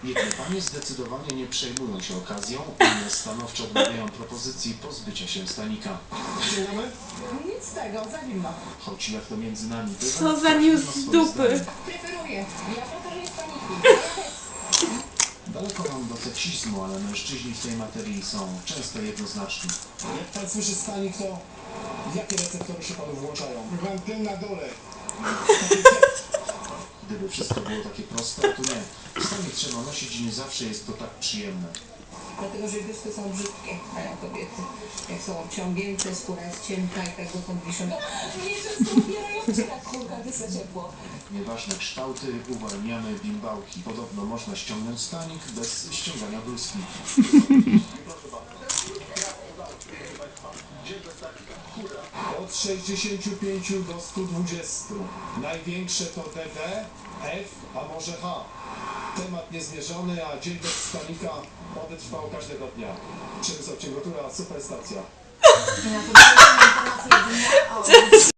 Jedne panie zdecydowanie nie przejmują się okazją, inne stanowczo odmawiają propozycji pozbycia się stanika. Sięgamy? Nic z tego, za zimno. Choć jak to między nami bywa, Co za każdy news ma z swoje dupy. zdanie. Preferuję. Ja preferuję staniki. Daleko mam do seksizmu, ale mężczyźni w tej materii są często jednoznaczni. Jak pan słyszy stanik, to jakie receptory się panu włączają? Mam ten na dole. Gdyby wszystko było takie proste, to nie. Stanik trzeba nosić i nie zawsze jest to tak przyjemne. Dlatego, że biusty są brzydkie, mają kobiety. Jak są obciągnięte, skóra jest cienka i tak dotąd wiszą. Mnie często ubierają cię na kurka, gdy za ciepło. Nieważne kształty, uwalniamy bimbałki. Podobno można ściągnąć stanik bez ściągania bluzki. Od 65 do 120. Największe to DD, F, a może H. Temat niezmierzony, a dzień bez stanika oby trwał każdego dnia. Przemysław Cięgotura, Superstacja. Na to informacje jedynie o